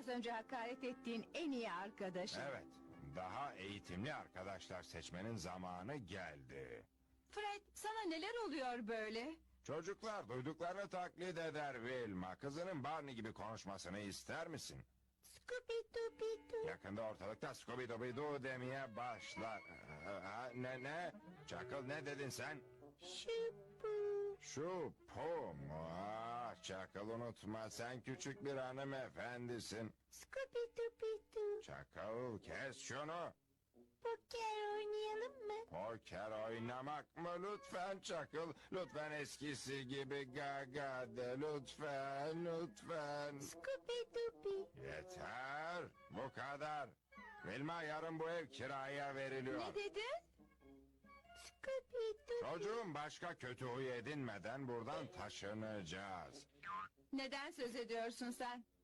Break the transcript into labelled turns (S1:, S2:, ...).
S1: biraz önce hakaret ettiğin en iyi arkadaşın.
S2: Evet, daha eğitimli arkadaşlar seçmenin zamanı geldi.
S1: Fred, sana neler oluyor böyle?
S2: Çocuklar duyduklarını taklit eder Wilma. Kızının Barney gibi konuşmasını ister misin?
S3: Scooby-Dooby-Doo.
S2: Yakında ortalıkta Scooby-Dooby-Doo demeye başlar. Ne? Çakıl ne dedin sen?
S3: Şubu.
S2: Şu po mu? Çakıl unutma sen küçük bir hanımefendisin.
S3: Scooby-Dooby-Doo.
S2: Çakıl kes şunu.
S3: Poker oynayalım mı?
S2: Poker oynamak mı? Lütfen Çakıl. Lütfen eskisi gibi gaga de. Lütfen.
S3: Scooby-Dooby.
S2: Yeter. Bu kadar. Vilma yarın bu ev kiraya veriliyor.
S1: Ne dedin?
S3: Scooby-Dooby.
S2: Çocuğum başka kötü huy edinmeden buradan taşınacağız.
S1: Neden söz ediyorsun sen?